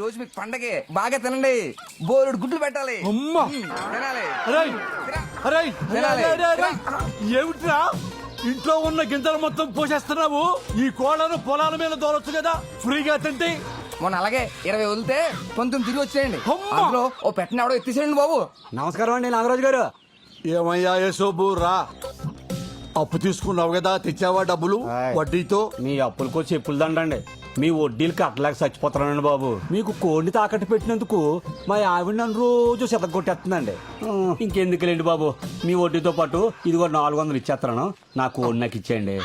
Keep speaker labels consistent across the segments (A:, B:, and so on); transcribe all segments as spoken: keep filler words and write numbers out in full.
A: రోజు మీకు పండగే బాగా తినండి. బోరుడు గుడ్లు పెట్టాలి.
B: అమ్మా
A: తినాలి.
B: అరేయ్, అరేయ్,
A: తినాలి.
B: అరేయ్, అరేయ్, అరేయ్. ఏమిట్రా ఇంట్లో ఉన్న గింజలు మొత్తం పోసేస్తున్నావు? ఈ కోళ్ళను పొలాల మీద దోలొచ్చు కదా, ఫ్రీగా తింటే.
A: మొన్న అలాగే ఇరవై వదిలితే పంతొమ్మిది తిరిగి వచ్చేయండి.
B: అమ్మా.
A: అందులో ఓ పెట్టిన ఎవడో ఎత్తిసేయండి బాబు.
C: నమస్కారం అండి నాగరాజు గారు.
B: ఏమయ్యా యశోబు రా, అప్పు తీసుకున్నావు కదా, తెచ్చావా డబ్బులు
C: ఆయ్.
B: వడ్డీతో?
C: మీ అప్పులకో చెప్పులు దండండి, మీ వడ్డీలు కట్టలేక చచ్చిపోతున్నానండి బాబు. మీకు కోడిని తాకట్టు పెట్టినందుకు మా ఆవిడ నన్ను రోజు చెతగొట్టేస్తుందండి. ఇంకెందుకులేండి బాబు, మీ వడ్డీతో పాటు ఇదిగో నాలుగు వందలు ఇచ్చేస్తాను, నా కోడి నాకు ఇచ్చేయండి.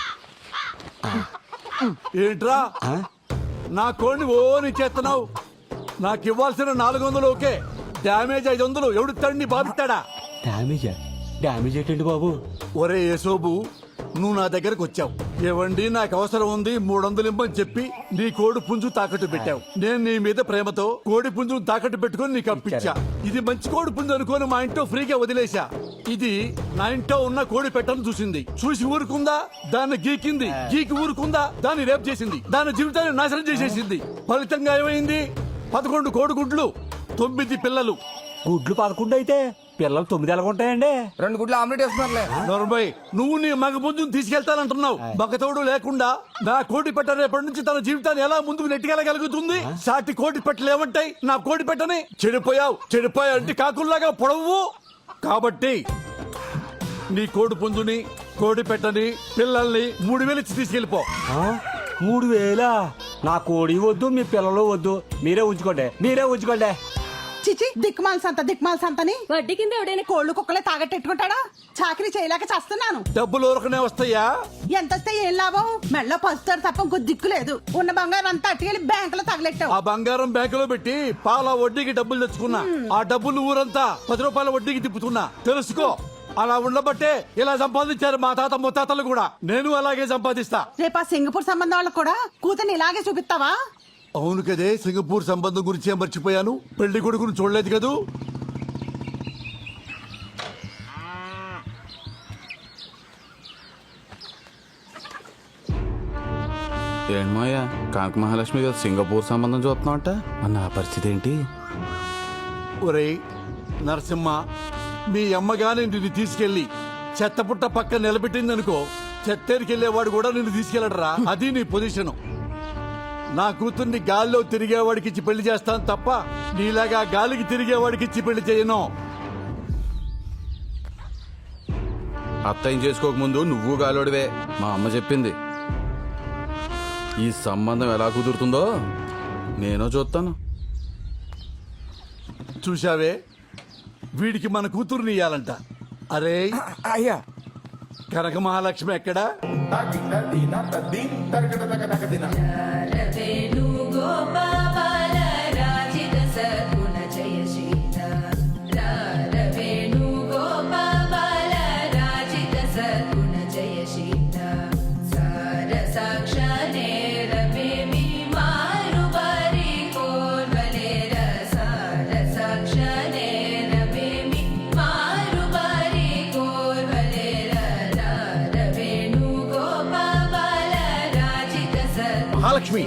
B: ఏంట్రా
C: ఆ?
B: నా కోడిని ఓని చేస్తున్నావు? నాకు ఇవ్వాల్సిన నాలుగు వందలు ఓకే, డ్యామేజ్ ఐదు వందలు ఎవడు తండ్రి బాధిస్తాడా?
C: డ్యామేజా? డ్యామేజ్ ఏంటండి బాబు?
B: ఒరే యశోబు, నువ్వు నా దగ్గరకు వచ్చావు, ఏవండి నాకు అవసరం ఉంది మూడు వందలు ఇమ్మని చెప్పి నీ కోడి పుంజు తాకట్టు పెట్టావు. నేను నీ మీద ప్రేమతో కోడి పుంజును తాకట్టు పెట్టుకుని నీకు అప్పించా. ఇది మంచి కోడి పుంజు అనుకోని మా ఇంట్లో ఫ్రీగా వదిలేశా. ఇది నా ఇంట్లో ఉన్న కోడి పెట్టను చూసింది, చూసి ఊరుకుందా? దాన్ని గీకింది, గీకి ఊరుకుందా? దాన్ని రేపు చేసింది, దాని జీవితాన్ని నాశనం చేసేసింది. ఫలితంగా ఏమైంది? పదకొండు కోడి గుడ్లు, తొమ్మిది పిల్లలు.
C: గుడ్లు పదకొండు అయితే పిల్లలు తొమ్మిది ఎలాగుంటాయండి?
A: రెండు గుడ్లు ఆమ్లెట్ వేస్తున్నారులే.
B: నలభై నువ్వు నీ మగ పుంజును తీసుకెళ్తానంటున్నావు. మగతోడు లేకుండా నా కోడి పెట్ట రేపటి నుంచి తన జీవితాన్ని ఎలా ముందుకు నెట్టుకెళ్ళగలుగుతుంది? సాటి కోడి పెట్టలు ఏమంటాయి నా కోడి పెట్టని? చెడిపోయావు చెడిపోయావు అంటే కాకుల్లాగా పొడవు. కాబట్టి నీ కోడి పుంజుని, కోడి పెట్టని, పిల్లల్ని మూడు వేలు ఇచ్చి తీసుకెళ్ళిపో.
C: ఆ? మూడు వేలా? నా కోడి వద్దు, మీ పిల్లలు వద్దు, మీరే ఉంచుకోండి, మీరే ఉంచుకోండి.
D: చిచి దిక్మాల సంత దిక్మాల సంతని
E: వడ్డీ కింద ఎవడైనా
D: కోళ్లు కుక్కలే తాగట్టెట్టుకుంటాడా? చాకరీ చేయలేక చేస్తున్నాను.
B: డబ్బులు ఊరకనే వస్తాయా?
D: ఎంత వస్తే ఏం లాభం? మెళ్ళ పసుతారు తప్ప ఇంకో దిక్కు లేదు. ఉన్న బంగారం అంతా అట్టుకెళ్ళి బ్యాంకులో తగలెట్టావు.
B: ఆ బంగారం బ్యాంకులో పెట్టి పాల వడ్డీకి డబ్బులు తెచ్చుకున్నా. ఆ డబ్బులు ఊరంతా పది రూపాయల వడ్డీకి తిప్పుతున్నా. తెలుసుకో, అలా ఉండబట్టే ఇలా సంపాదించారు మా తాత ముత్తాతలు కూడా. నేను అలాగే సంపాదిస్తా.
D: రేపు ఆ సింగపూర్ సంబంధం వాళ్ళకు కూడా కూతుర్ని ఇలాగే చూపిస్తావా?
B: అవును కదే, సింగపూర్ సంబంధం గురించి మర్చిపోయాను. పెళ్లి కొడుకును చూడలేదు కదూ.
F: ఏంటమ్మయ్యా, కాంక మహాలక్ష్మి గారు సింగపూర్ సంబంధం చూస్తున్నావంట, మరి నా పరిస్థితి ఏంటి?
B: ఒరేయ్ నరసింహ, మీ అమ్మగానే నిన్ను తీసుకెళ్లి చెత్తపుట్ట పక్క నిలబెట్టిందనుకో, చెత్తేరికెళ్లేవాడు కూడా నిన్ను తీసుకెళ్లడరా. అది నీ పొజిషను. నా కూతుర్ని గాల్లో తిరిగేవాడికి ఇచ్చి పెళ్లి చేస్తాను తప్ప నీలాగా గాలికి తిరిగేవాడికి ఇచ్చి పెళ్లి చేయను.
F: అత్తయ్యం చేసుకోకముందు నువ్వు గాలోడివే, మా అమ్మ చెప్పింది. ఈ సంబంధం ఎలా కుదురుతుందో నేను చూస్తాను.
B: చూశావే, వీడికి మన కూతుర్ని ఇయ్యాలంట. అరే
A: అయ్యా,
B: కనక మహాలక్ష్మి ఎక్కడా?
G: మహాలక్ష్మి,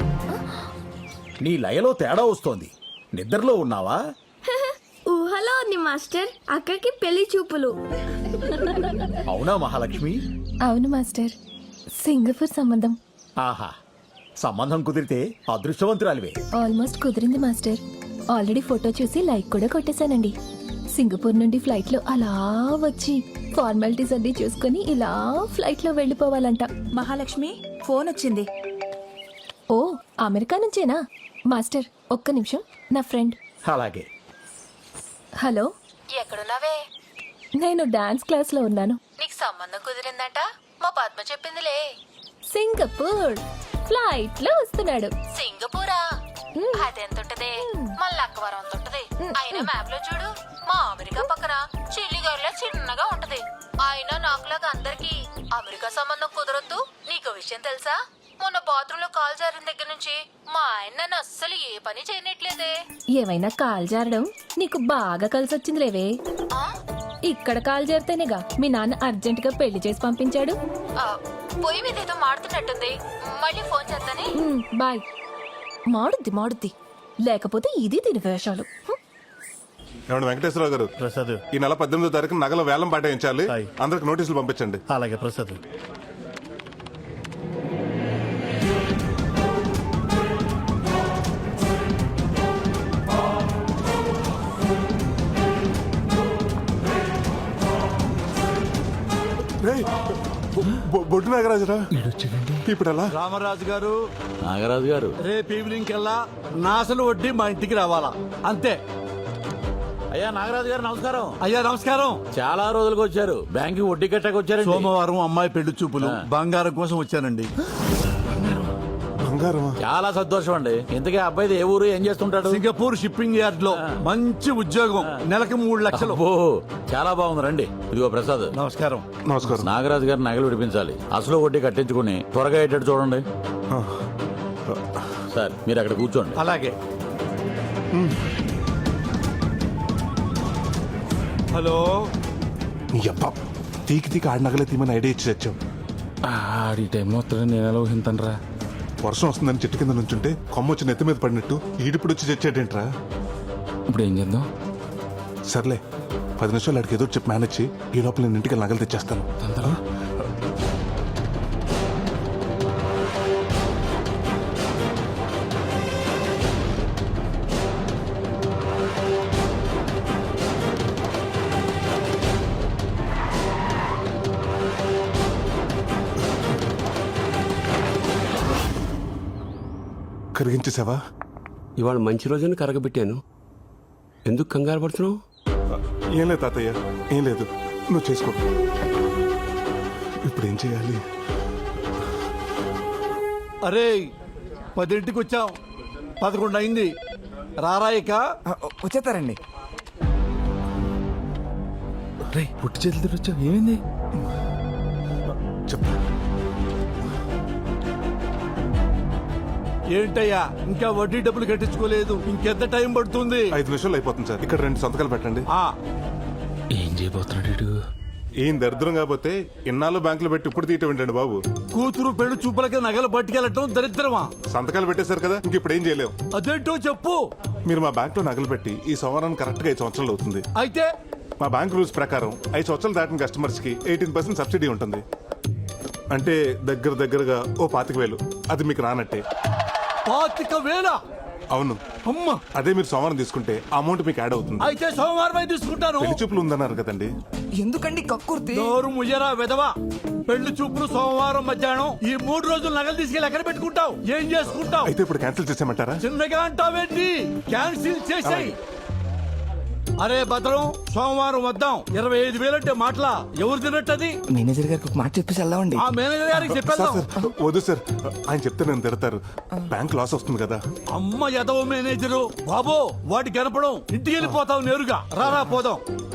G: నీ లయలో తేడా వస్తోంది. నిద్రలో ఉన్నావా?
E: ఊహలో ఉంది మాస్టర్. అక్కకి పెళ్లి చూపులు.
G: అవునా మహాలక్ష్మి?
H: అవును మాస్టర్, సింగపూర్ సంబంధం.
G: ఆహా, సంబంధం కుదిరితే అదృష్టవంతురాలివే.
H: ఆల్మోస్ట్ కుదిరింది మాస్టర్. ఆల్రెడీ ఫోటో చూసి లైక్ కూడా కొట్టేశానండి. సింగపూర్ నుండి ఫ్లైట్ లో అలా వచ్చి ఫార్మాలిటీస్ అన్ని చూసుకుని ఇలా ఫ్లైట్ లో వెళ్ళిపోవాలంట.
I: మహాలక్ష్మి, ఫోన్ వచ్చింది.
H: ఓ, అమెరికా నుంచేనా? మాస్టర్ ఒక్క నిమిషం, నా ఫ్రెండ్.
G: అలాగే.
H: హలో,
I: ఎక్కడున్నావే?
H: నేను డాన్స్ క్లాస్ లో ఉన్నాను.
I: నీకు సంబంధం కుదిరిందంట, మా పద్మ చెప్పిందిలే.
H: సింగపూర్ ఫ్లైట్ లో వస్తున్నాడు.
I: సింగపూరా? అదెంతుంటదే? మన లక్కవరం అంత ఉంటది. అయినా మ్యాప్ లో చూడు, మా అమెరికా పక్కన చిల్లిగారిలో చిన్నగా ఉంటది. అయినా నాకులాగా అందరికి అమెరికా సంబంధం కుదరొద్దు. నీకు విషయం తెలుసా? మొన్న బాత్రూమ్ లో కాల్ జారిన దగ్గర నుంచి మా ఆయన నన్ను అస్సలు ఏ పని చేయనట్లేదే.
H: ఏమైనా కాల్ జారడం నీకు బాగా కలిసి వచ్చింది లేవే. ఇక్కడ కాల్ జారితేనేగా మీ నాన్న అర్జెంట్ గా పెళ్లి చేసి పంపించాడు.
I: పొయ్యి మీద ఏదో మాడుతున్నట్టుంది, మళ్ళీ ఫోన్ చేస్తానే.
H: బాయ్. మాడుద్ది మాడుద్ది. లేకపోతే ఇది దీని వేషాలు. హ్మ్.
J: ఏమండి వెంకటేశ్వరరావు గారు,
G: ప్రసాద్
J: ఈ నెల పద్దెనిమిదో తారీఖు నగల వేలం పాటించాలి.
G: హాయ్.
J: అందరికి నోటీసులు పంపించండి.
G: అలాగే ప్రసాద్.
J: రేయ్, బొ- బొ- బొడ్డు నాగరాజురా ఇప్పుడు ఎలా?
B: రామరాజు గారు,
F: నాగరాజు గారు,
B: రేపు ఈవినింగ్ కల్లా నా అసలు వడ్డీ మా ఇంటికి రావాలా, అంతే.
F: అయ్యా నాగరాజు గారు నమస్కారం.
B: అయ్యా నమస్కారం.
F: చాలా రోజులకు వచ్చారు. బ్యాంక్ వడ్డీ కట్టక వచ్చారు.
B: సోమవారం అమ్మాయి పెళ్లి చూపులు, బంగారం కోసం వచ్చానండి.
J: బంగారమా?
F: చాలా సంతోషం అండి. ఇంతకీ అబ్బాయిది ఏ ఊరు, ఏం చేస్తుంటాడు?
B: సింగపూర్ షిప్పింగ్ యార్డ్ లో మంచి ఉద్యోగం, నెలకు మూడు లక్షలు.
F: ఓ చాలా బాగుంది. రండి. ఇదిగో ప్రసాద్.
B: నమస్కారం.
J: నమస్కారం.
F: నాగరాజు గారు నగలు విడిపించాలి. అసలు వడ్డీ కట్టించుకుని త్వరగా అయ్యేటట్టు చూడండి. సార్ మీరు అక్కడ కూర్చోండి.
B: అలాగే. హలో.
J: నీ అబ్బా తీకి తీకి ఆడి నగలే తీమని ఐడియా ఇచ్చి తెచ్చాం.
F: ఆడి టైంలో వస్తాడని నేను ఎలా ఊహింతనరా?
J: వర్షం వస్తుందని చెట్టు కింద నుంచుంటే కొమ్మ వచ్చి నెత్తి మీద పడినట్టు ఈడిప్పుడు వచ్చి తెచ్చాడేంట్రా?
F: ఇప్పుడు ఏం చేద్దాం?
J: సర్లే, పది నిమిషాలు అడిగి ఏదో ఒకటి చెప్పి మేనేజ్ చేయి. ఈ లోపల నేను ఇంటికి నగలు తెచ్చేస్తాను. కరిగించేసావా?
K: ఇవాళ మంచి రోజుని కరగబెట్టాను. ఎందుకు కంగారు పడుతున్నావు?
J: ఏం లేదు తాతయ్య, ఏం లేదు. నువ్వు చేసుకో. ఇప్పుడు ఏం చేయాలి?
B: అరే పదింటికి వచ్చాం, పదకొండు అయింది. రారాయిక
A: ఆ, వచ్చేస్తారండి.
F: రే పుట్టి చేతులు వచ్చావు, ఏమైంది?
J: చెప్పు.
B: ఏంటయ్యా ఇంకా వడ్డీ డబ్బులు కట్టించుకోలేదు, ఇంకెంత టైం పడుతుంది?
J: ఐదు నిమిషాలు అయిపోతుంది సార్. ఇక్కడ రెండు సంతకాలు పెట్టండి.
B: ఆ
F: ఏం చేయబోతున్నాడు?
J: ఏం దరిద్రం కాకపోతే ఇన్నాళ్ళు బ్యాంకులో పెట్టి ఇప్పుడు తీయటం ఏంటండి బాబు?
B: కూతురు పెళ్లి చూపులకి నగలు పట్టుకెళ్ళటం దరిద్రమా?
J: సంతకాలు పెట్టేశారు కదా, ఇంక ఇప్పుడు ఏం చేయలేం.
B: అదేంటో చెప్పు.
J: మీరు మా బ్యాంక్ లో నగలు పెట్టి ఈ సంవత్సరానికి కరెక్ట్ గా ఐదు సంవత్సరాలు అవుతుంది.
B: అయితే
J: మా బ్యాంక్ రూల్స్ ప్రకారం ఐదు సంవత్సరాలు దాటిన కస్టమర్స్ కి ఎయిటీన్ పర్సెంట్ సబ్సిడీ ఉంటుంది. అంటే దగ్గర దగ్గరగా ఓ పాతిక వేలు. అది మీకు రానట్టే.
B: పాతిక వేల?
J: అవును.
B: అమ్మ,
J: అదే మీరు సోమవారం తీసుకుంటే అమౌంట్ మీకు యాడ్ అవుతుంది.
B: అయితే సోమవారం తీసుకుంటాను.
J: పెళ్లి చూపులు ఉందన్నారు కదండి.
A: ఎందుకండి కక్కుర్తి?
B: నోరు ముయ్యరా వెదవా. పెళ్లి చూపులు సోమవారం మధ్యాహ్నం. ఈ మూడు రోజులు నగలు తీసుకెళ్ళి ఎక్కడ పెట్టుకుంటావు? ఏం చేసుకుంటావు?
J: అయితే ఇప్పుడు క్యాన్సిల్ చేసేయమంటారా?
B: చిన్నగా అంటావేంటి? క్యాన్సిల్ చేసాయి. అరే భద్రం, సోమవారం వద్దాం. ఇరవై ఐదు వేలంటే మాటలా? ఎవరు తినట్టది?
A: మేనేజర్ గారికి ఒక మాట చెప్పేసి వెళ్దామండి.
B: ఆ మేనేజర్ గారికి
J: సార్
B: చెప్పేద్దాం.
J: సార్ వద్దు సార్, ఆయన చెప్తే నేను తిడతారు. బ్యాంక్ లాస్ వస్తుంది కదా.
B: అమ్మ ఎదవ మేనేజరు బాబో, వాటి కనపడం. ఇంటికి వెళ్ళిపోతావు నేరుగా. రారా పోదాం.